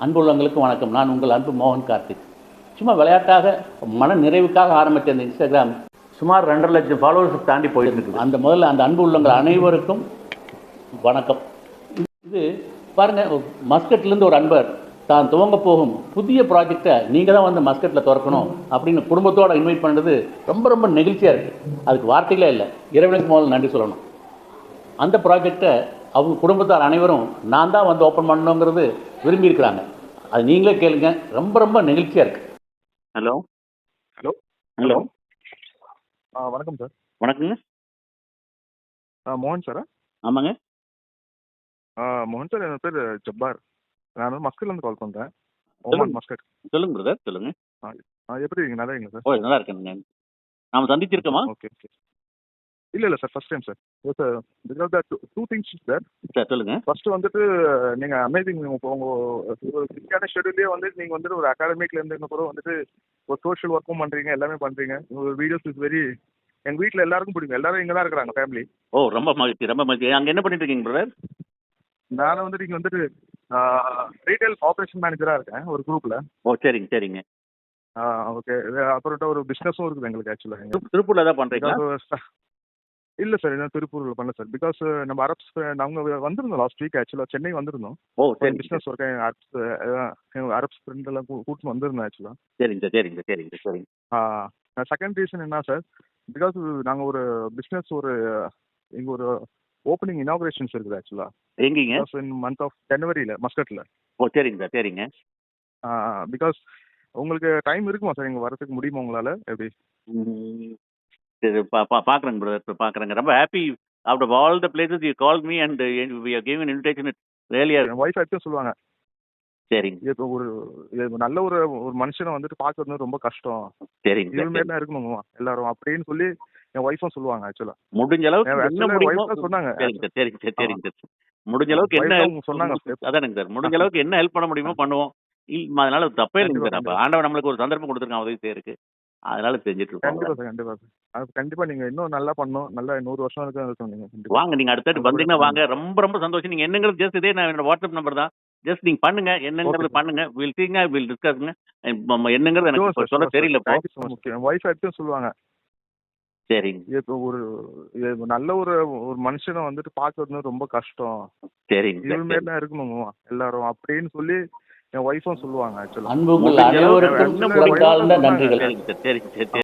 அன்புள்ளவங்களுக்கு வணக்கம். நான் உங்கள் அன்பு மோகன் கார்த்திக். சும்மா விளையாட்டாக மன நிறைவுக்காக ஆரம்பித்த இந்த இன்ஸ்டாகிராம் சுமார் 2.5 லட்சம் ஃபாலோவர்ஸ் தாண்டி போயிருந்துருக்கு. முதல்ல அந்த அன்பு உள்ளவங்கள் அனைவருக்கும் வணக்கம். இது பாருங்கள், மஸ்கட்லேருந்து ஒரு அன்பர் தான் துவங்க போகும் புதிய ப்ராஜெக்டை நீங்கள் தான் வந்து மஸ்கட்டில் திறக்கணும் அப்படின்னு குடும்பத்தோடு இன்வைட் பண்ணுறது ரொம்ப ரொம்ப நெகிழ்ச்சியாக இருக்குது. அதுக்கு வார்த்தைகளே இல்லை. இறைவனுக்கு முதல்ல நன்றி சொல்லணும். அந்த ப்ராஜெக்டை அவங்க குடும்பத்தார் அனைவரும் நான் தான் வந்து ஓப்பன் பண்ணணுங்கிறது விரும்பியிருக்கிறாங்க. அது நீங்களே கேளுங்க. ரொம்ப ரொம்ப நெகிழ்ச்சியாக இருக்குது. ஹலோ ஹலோ ஹலோ வணக்கம் சார். வணக்கங்க. மோகன் சாரா? ஆமாங்க. மோகன் சார், என் பேர் ஜப்பார். நான் வந்து மஸ்கட்லேருந்து கால் பண்ணுறேன். சொல்லுங்க. Oman Muscat. சொல்லுங்க பிரதர், சொல்லுங்க. எப்படி இருக்கீங்க? நல்லா இருக்கீங்களா சார்? ஓ, நல்லா இருக்கேங்க. நாம் சந்திச்சிருக்கோமா? Okay okay. இல்லை sir, first time sir. Sir because two things sir. Sir சொல்லுங்க. ஃபர்ஸ்ட் வந்துட்டு நீங்கள் அமேசிங். உங்கள் ஃபிக்ஸான ஷெடியூலே வந்து நீங்கள் வந்துட்டு ஒரு அகாடமிக்லேருந்து கூட வந்துட்டு ஒரு சோஷியல் ஒர்க்கும் பண்ணுறீங்க, எல்லாமே பண்ணுறீங்க. உங்கள் வீடியோஸ் இஸ் வெரி, எங்கள் வீட்டில் எல்லாருக்கும் பிடிக்கும். எல்லாரும் இங்கே தான் இருக்கிறாங்க, ஃபேமிலி. ஓ, ரொம்ப மகிழ்ச்சி, ரொம்ப மகிழ்ச்சி. அங்கே என்ன பண்ணிட்டு இருக்கீங்க பிரதர்? நான் வந்துட்டு இங்கே வந்துட்டு ரீட்டைல் ஆப்ரேஷன் மேனேஜராக இருக்கேன் ஒரு குரூப்பில். ஓ, சரிங்க சரிங்க. ஓகே. அப்புறம் ஒரு பிஸ்னஸும் இருக்குது எங்களுக்கு ஆக்சுவலாக. திருப்பூர்ல தான் பண்றீங்களா? இல்லை சார், இன்னும் திருப்பூரில் பண்ணல சார். பிகாஸ் நம்ம அரப்ஸ் நாங்கள் வந்திருந்தோம் லாஸ்ட் வீக் ஆக்சுவலாக, சென்னை வந்திருந்தோம். ஓ, சரி. பிஸ்னஸ் ஒர்க் அரப்ஸ் ஃப்ரெண்ட் எல்லாம் கூட்டிட்டு வந்திருந்தோம் ஆக்சுவலாக. சரிங்க சரிங்க சரிங்க சரிங்க. செகண்ட் ரீசன் என்ன சார், பிகாஸ் நாங்கள் ஒரு பிஸ்னஸ் இங்கே ஒரு ஓப்பனிங் இனாகுரேஷன்ஸ் இருக்குது ஆக்சுவலாக. எங்கீங்க? இன் மந்த் ஆஃப் ஜனவரியில் மஸ்கட்டில். ஓ, சரிங்க சார் சரிங்க. பிகாஸ் உங்களுக்கு டைம் இருக்குமா சார் இங்கே வரதுக்கு? முடியுமா உங்களால்? எப்படி? பார்க்குறேங்க பிரதர், பார்க்குறேங்க. ரொம்ப happy. Out of all the places you call me and we are giving an invitation. It really are. என் ஒய்ஃப் ஆக்சுவலாக சொல்லுவாங்க, சரிங்க. இப்போ ஒரு நல்ல ஒரு மனுஷனை வந்துட்டு பார்க்கறது ரொம்ப கஷ்டம், சரிங்க இது மாதிரி தான் இருக்கணுமா எல்லாரும் அப்படின்னு சொல்லி என் ஒய்ஃபும் சொல்லுவாங்க ஆக்சுவலா. முடிஞ்ச அளவுக்கு என்ன முடியுமோ சொன்னாங்க. சரிங்க சார் சரிங்க சார் சரிங்க சார். முடிஞ்ச அளவுக்கு என்ன சொன்னாங்க. அதானுங்க சார், முடிஞ்ச அளவுக்கு என்ன ஹெல்ப் பண்ண முடியுமோ பண்ணுவோம். அதனால தப்பே இல்லைங்க சார். அப்போ ஆண்டவன் நம்மளுக்கு ஒரு சந்தர்ப்பம் கொடுத்துருக்கான் உதவி செய்யறதுக்கு. அதனால செஞ்சுட்டு இருக்கோம். கண்டிப்பா சார், கண்டிப்பா சார். அது கண்டிப்பா நீங்க இன்னும் நல்லா பண்ணணும். நல்லா 100 வருஷம் இருக்கு சொன்னீங்க. வாங்க, நீங்க அடுத்தடுத்து வந்தீங்கன்னா வாங்க. ரொம்ப ரொம்ப சந்தோஷம். நீங்க என்னங்கிறது ஜஸ்ட் இதே நான் என்னோட வாட்ஸ்அப் நம்பர் தான். ஜஸ்ட் நீங்க பண்ணுங்க, என்னங்கிறது பண்ணுங்க. வில் சீங்க, வில் டிஸ்கஸ்ங்க. என்னங்கிறது எனக்கு சொல்ல தெரியல. என் ஒய்ஃப் ஆக்சுவலா சொல்லுவாங்க, சரிங்க. இப்போ ஒரு நல்ல ஒரு மனுஷனை வந்துட்டு பார்க்கறது ரொம்ப கஷ்டம், சரிங்க. இது மாதிரி தான் இருக்கணுமா எல்லாரும் அப்படின்னு சொல்லி என் ஒய்ஃபும் சொல்லுவாங்க ஆக்சுவலா. அன்புங்கள் அனைவருக்கும் நன்றிகள். சரிங்க சார் சரிங்க சார்.